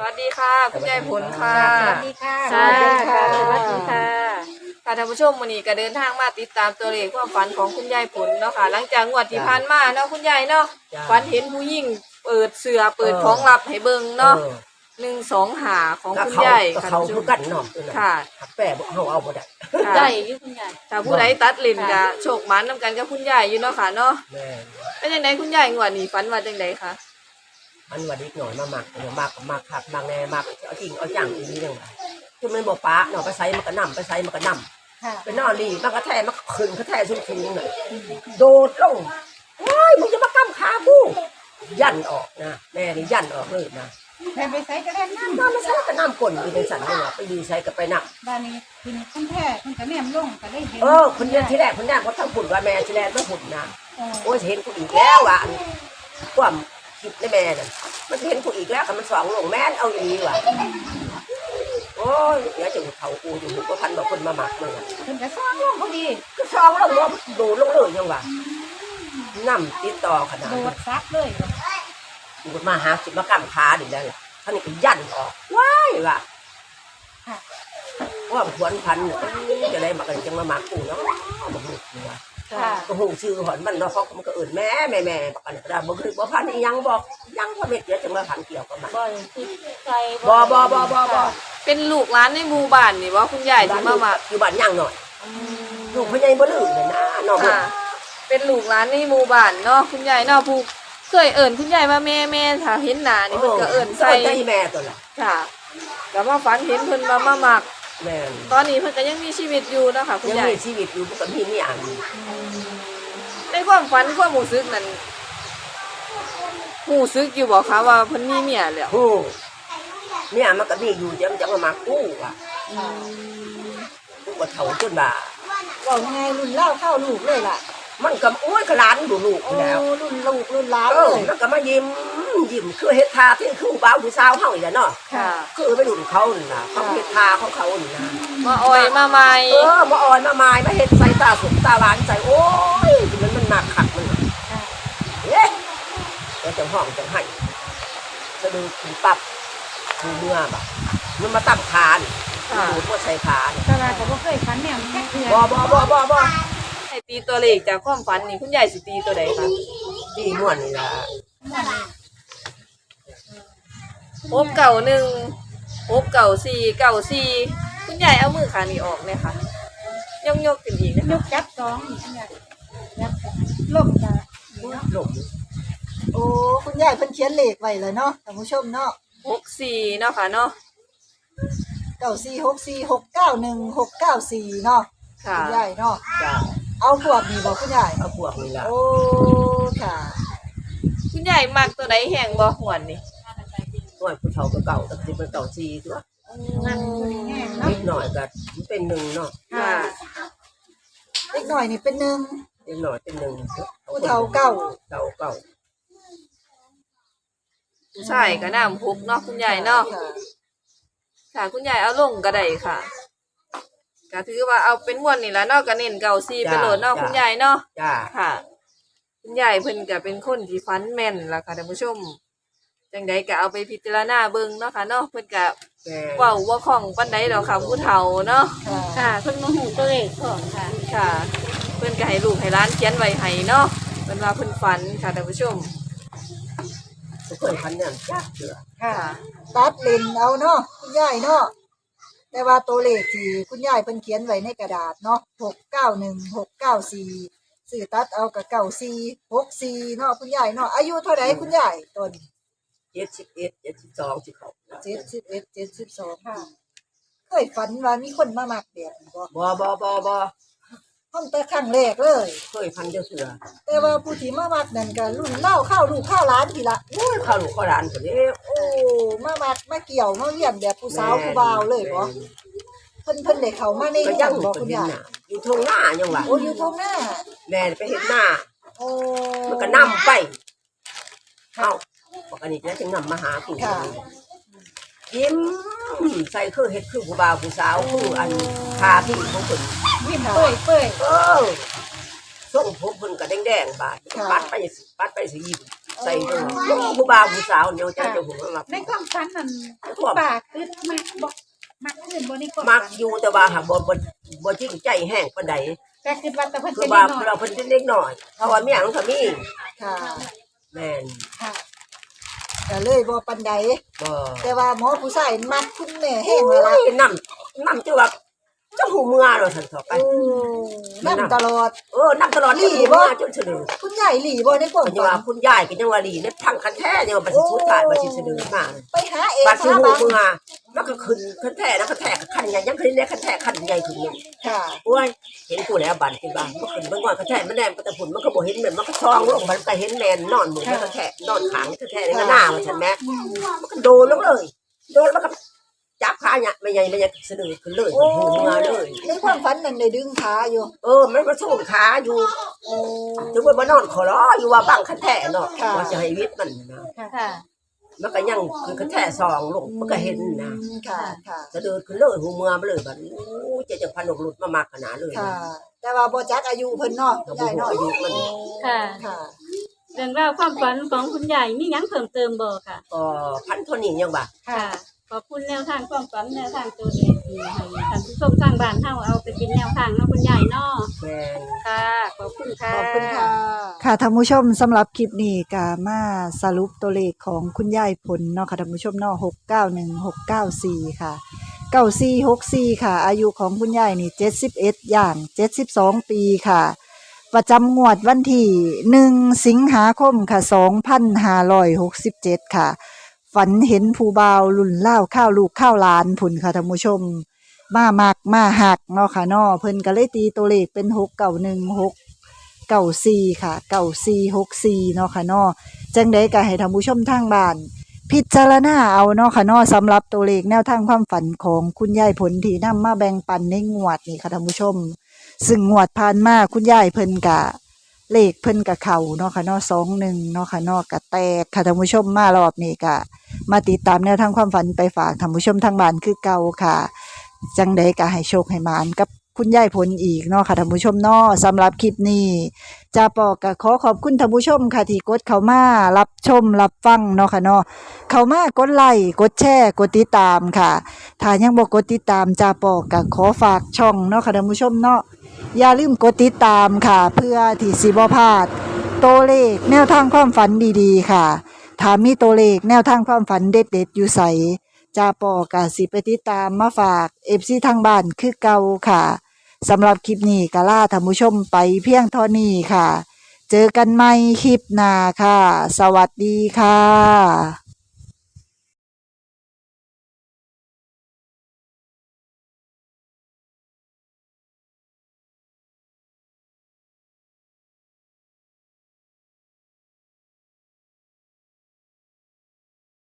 วัสดีค่ะคุณยายผลค่ะสวัสดีค่ะสวัสดีค่ะสวัสดีค่ะค่ะท่านผู้ชมวันนี้ก็เดินทางมาติดตามตัวเลขความฝันของคุณยายผลเนาะค่ะหลังจากงวดที่ผ่านมาเนาะคุณยายเนาะฝันเห็นผู้หญิงเปิดเสื้อเปิดของลับให้เบิ่งเนาะ125ของคุณยายค่ะเขาท่านผู้ชคือมกันเนาะค่ะแปะบอกเขาเอาบ่ได้ค่ะได้อยู่คุณยายถ้าผู้ใดตัดลิ้นก็โชคหมันนํกันกับคุณยายอยู่เนาะค่ะเนาะแม่เป็นจังไดคุณยายงวดนี้ฝันว่าจังไดคะมันวันนี้หน่อยมาหมักขับมากแน่มากเอาจริงเอาจังอีนี่ยังไงคือมันบอกป้าเนาะไปใส่มันก็นำไปใส่มันก็นำไปนอนนี่มันก็แท้มันขึ้นก็แท้สูงๆน่ะโดดลงโอ้ยมึงจะมากั้มขากูยันออกนะแม่นี่ยันออกเลยนะแม่ไปใส่กระเด็นน้ำน้ำมาใส่ก็น้ำก่นอยู่ในสันนี่ว่ะไปดีใส่ก็ไปนักบ้านนี้กินคนแท้คนกระแนมลงก็ได้เห็นคนเดียวที่แรกคนแรกเขาทั้งหุ่นว่าแม่ที่แรกไม่หุ่นนะโอ้โอ้ยเห็นกูอีกแล้วว่ะความคิดในแม่น่ะมันเห็นกูอีกแล้วกับมันสองลงแม่นเอาอย่างนี้ว่ะโอ้ยเดี๋ยวจะเขากูอยู่หูก็พันบอกคนมาหมักเลยคนกระซ้างลงพอดีก็สองลงว่าดูลงเลยยังว่ะน้ำติดต่อขนาดโดดซักเลยกูมาหาสิมากำขาดิแล้วล่ะท่านนี่ก็ยันออกว้ายว่ะว่าขวนพันจะได้มากันจังมาหมักกูเนาะมาหมุกตัวค่ะก็หูชื่อหอนมันเนาะเขามันก็เอื่นแม่บอกกันก็ได้บ่คือบ่พันอีหยังบอกยังพ่อเม็ดเดี๋ยวจะมาพันเกี่ยวกับมันบ่คือใจบ่เป็นลูกหลานในหมู่บ้านนี่บ่คุณยายที่มามักอยู่บ้านย่างหน่อยลูกพ่อใหญ่บ่ลืมเลยนะน้องค่ะ เป็นลูกหลานในหมู่บ้านเนาะคุณยายเนาะผู้เคยเอิ้นคุณยายว่าแม่ถ้าเห็นหน้านี่เพิ่นก็เอิ้นใส่ใจแม่ตัวละค่ะก็มาฝันเห็นเพิ่นมามักแม่ตอนนี้เพิ่นก็ยังมีชีวิตอยู่เนาะค่ะคุณยังยายมีชีวิตอยู่ก็มีนี่อ่านในความฝันความรู้สึกนั้นรู้สึกอยู่บ่คะว่าเพิ่นมีเมียแล้วโอ้เนี่ยมันก็มีอยู่จะมากู้อ่ะกูก็เฒ่าจนบ่าบอกไงรุ่นเล่าเข้าลูกเลยล่ะมันก็โอ้ยก็หลานดูลูกโอ้แล้วรุ่นลูกรุ่นหล้านเอเลอย มันก็มายิ้มคือเฮ็ดทาที่คือบ่าวผู้สาวเฮาอีกแล้วเนาะค่ะคือไปดุนเขานี่นะเขาเฮ็ดทาของเขานี่นะมาอ่อยมาใหม่มาอ่อนมาไม้มาเฮ็ดใส่ตาสุกตาหวานใส่โอ้ยมันหนักขัดมันเอ๊ะแล้วจังห้องจังให้สะดือขีปับดูเมื่อแบบมันมาตั้งขานี่ดูพวกใส่ขานี่ตลาดก็บ่เคยฝันแนวแค่เพื่อนบ่ให้ตีตัวเลขจากความฝันนี่คุณยายสิตีตัวใดคะดีม่วนนี่ล่ะ 691 694 94คุณยายเอามือขานี่ออกเลยค่ะยกขึ้นอีกนะยคะกจับสองนี่คุณยายจับลงจ้ะหลงโอ้คุณยายเพิ่นเขียนเลขไว้เลยเนาะท่านผู้ชมเนาะ 64เนาะค่ะเนาะ 9464691694เนาะค่ะคุณยายเนาะจ้าเอาพวกนี้บอกคุณยายเอาพวกนี่ล่ะโอ้ค่ะคุณยายมักตัวใดแห้งบ่หวนนี่ม่วนผู้เฒ่าก็เก่าแต่สิเป็นเก่าซีตัวนั่นคือแห้งเนาะนิดหน่อยก็เป็นหนึ่งเนาะค่ะเล็กหน่อยนี่เป็นหนึ่งนิดหน่อยเป็นหนึ่งผู้เฒ่าเก่าเก่าผู้ชายก็น้ำพุกเนาะคุณยายเนาะค่ะค่ะคุณยายเอาลงก็ได้ค่ะก็ถือว่าเอาเป็นม่วนนี่ละเนาะก็เน้นเก่าซีไปโหลดเนาะคุณยายเนาะจ้าค่ะ คุณยายเพิ่นก็เป็นคนที่ฟันแม่นล่ะค่ะท่านผู้ชมจังใดก็เอาไปพิจารณาเบิ่งเนาะค่ะเนาะเพิ่นก็แม่เว้าบ่คล่องปานใดดอกค่ะผู้เฒ่าเนาะค่ะค่ะเพิ่นมาหูตัวเลขของค่ะค่ะ เพิ่นก็ให้ลูกให้หลานเขียนไว้ให้เนาะเพิ่นว่าเพิ่นฝันค่ะท่านผู้ชมทุกคนพันเนี่ยจ้าเสือค่ะ ตัดเลนเอาเนาะคุณยายเนาะแต่ว่าตัวเลขที่คุณยายเพิ่นเขียนไว้ในกระดาษเนาะ691694สื่อตัดเอากับ9464เนาะคุณยายเนาะอายุเท่าไหร่คุณยายต้น 71 72สิเขา 71 72ค่ะเคยฝันว่ามีคนมามักแบบนี้บ่บ่ห้องแต่ครั้งแรกเลยเคยพันเดียวเสือแต่ว่าผู้ที่มามักนั่นก็รุ่นเล่าเข้าลูกเข้าร้านทีละโอ้ยข้าวลูกข้าวหลานคนนี้โอ้มามักมาเกี่ยวมาเลี้ยงแบบผู้สาวผู้บ่าวเลยบ่เพิ่นได้เข้ามาในก็เรืยัอง งบ่เป็คุนณดินยายน่ะอยู่ทงหน้ายังว่าโอ้อยู่ตรงหน้าแม่ไปเห็นหน้าโอ้มันก็นำไปเข้าบอกอันนี้แล้วจึงนำมาหากูยิ้มใส่คือเฮ็ดคือผู้บ่าวผู้สาวคืออันคาที่ของคนยิ้มเปื่อยเปื่อยส่งผมเพิ่นก็แดงๆบาดปัดไปสิยิ้มใส่ตัวผู้บ่าวผู้สาวเดียวใจจะหัวมาในความฝันนั้นปากคือมักบ่มักขึ้นบ่ในความมักฝันอยู่แต่ว่าหาบ่จริงใจแห้งปานใดแต่คือว่าแต่เพิ่นคืจะอได้ว่าน้อยเราเพิ่นเล็กน้อยเพราะว่าเมียของเขามีค่ะแม่นค่ะก็เลยบ่ปานใดบ่แต่ว่าหมอผู้ชายมักคุณแม่แห้งเลยล่ะน้ำจะว่าเจ้าหูเมือเราสั่นต่อไปโอ้นั่นตลอดน้ำตลอดนี่บ่จนเสนอคุณยายหลีบ่ในความปัญญาฝันคุณยายก็ยังว่าลีเนี่ยพังคันแท้เนี่ยบัดสิสุดท้ายบัดสิเสนอมาไปหาเองบัดสิหาหูบังเมือมันก็ขึ้นคันแท้แล้วคันแท้ก็คันใหญ่ยังขึ้นได้คันแท้คันใหญ่ขึ้นนึงค่ะโอ้ยเห็นกูแล้วบัดคิดว่ามันขึ้นเบิ่งว่าคันแท้มันแนมก็แต่ผุนมันก็บ่เห็นเหมือนมันก็ซองลงมันก็เห็นแมนนอนหมู่คันแท้นอนขางคันแท้ในหน้าว่าซั่นแม่มันก็โดนลงเลยโดนแล้วก็จับขาเนี่ยไม่ใหญ่เสนอขึ้นเลยโอ้หูเมือเลยในความฝันนั่นได้ดึงขาอยู่มันมาสู้ขาอยู่โอ้ถึงว่ามานอนขอร้ออยู่ว่าบังคันแท้เนาะว่าจะให้วิทย์มันนะค่ะมันก็ยังคือคันแท้ซองลงมันก็เห็นนะค่ะค่ะจะเดินขึ้นเลยหูเมือมาเลยบัดนี้โอ้เจะพันหลุดมามากขนาดเลยค่ะ แต่ว่าบ่จักอายุเพิ่นเนาะเรายายบ่เนาะอายุมันค่ะค่ะเรื่องราวความฝันของคุณยายมีหยังเพิ่มเติมบ่ค่ะก็พันเท่านี้ยังบ่าค่ะ ขอบคุณแนวทางความฝันแนวทางตัวเลขที่ให้ท่านผู้ชมทางบ้านเฮาเอาไปเป็นแนวทางเนาะคุณยายเนาะแม่นค่ะ ขอบคุณค่ะขอบคุณค่ะ ค่ะท่านผู้ชมสำหรับคลิปนี้ก็มาสรุปตัวเลขของคุณยายผลเนาะค่ะท่านผู้ชมเนาะ691694ค่ะ9464ค่ะ อายุของคุณยายนี่71ย่าง72ปีค่ะ ประจำงวดวันที่1สิงหาคมค่ะ2567ค่ะ ฝันเห็นผู้บ่าวรุ่นเล่าวข้าวลูกข้าวหลานผุนค่ะท่านผู้ชม มามักมาหักเนาะค่ะเนาะเพิ่นก็เลยตีตัวเลขเป็น691694ค่ะ9464เนาะค่ะเนาะจังได๋ก็ให้ท่านผู้ชมทางบ้าน พิจารณาเอาเนาะค่ะเนาะสำหรับตัวเลขแนวทางความฝันของคุณยายผลที่นำมาแบ่งปันในงวดนี้ค่ะท่านผู้ชม ซึ่งงวดผ่านมาคุณยายเพิ่นกะเลขเพิ่นกะเข่าเนาะค่ะเนาะ21เนาะค่ะเนาะกะแตกค่ะท่านผู้ชมมารอบนี้กะมาติดตามแนวทางความฝันไปฝากท่านผู้ชมทางบ้านคือเก่าค่ะ จังใดก็ให้โชคให้หมานกับคุณยายผลอีกเนาะค่ะท่านผู้ชมเนาะสำหรับคลิปนี้จาปอก็ขอขอบคุณท่านผู้ชมค่ะที่กดเข้ามารับชมรับฟังเนาะค่ะเนาะเข้ามากดไลค์กดแชร์กดติดตามค่ะถ้ายังบ่กดติดตามจาปอก็ขอฝากช่องเนาะค่ะท่านผู้ชมเนาะอย่าลืมกดติดตามค่ะ เพื่อที่สิบ่พลาดตัวเลขแนวทางความฝันดีๆค่ะถ้ามีตัวเลขแนวทางความฝันเด็ดๆอยู่ไสจาปอกะสิไปติดตามมาฝาก FC ทางบ้านคือเก่าค่ะสำหรับคลิปนี้ก็ลาท่านผู้ชมไปเพียงเท่านี้ค่ะ เจอกันใหม่คลิปหน้าค่ะ สวัสดีค่ะ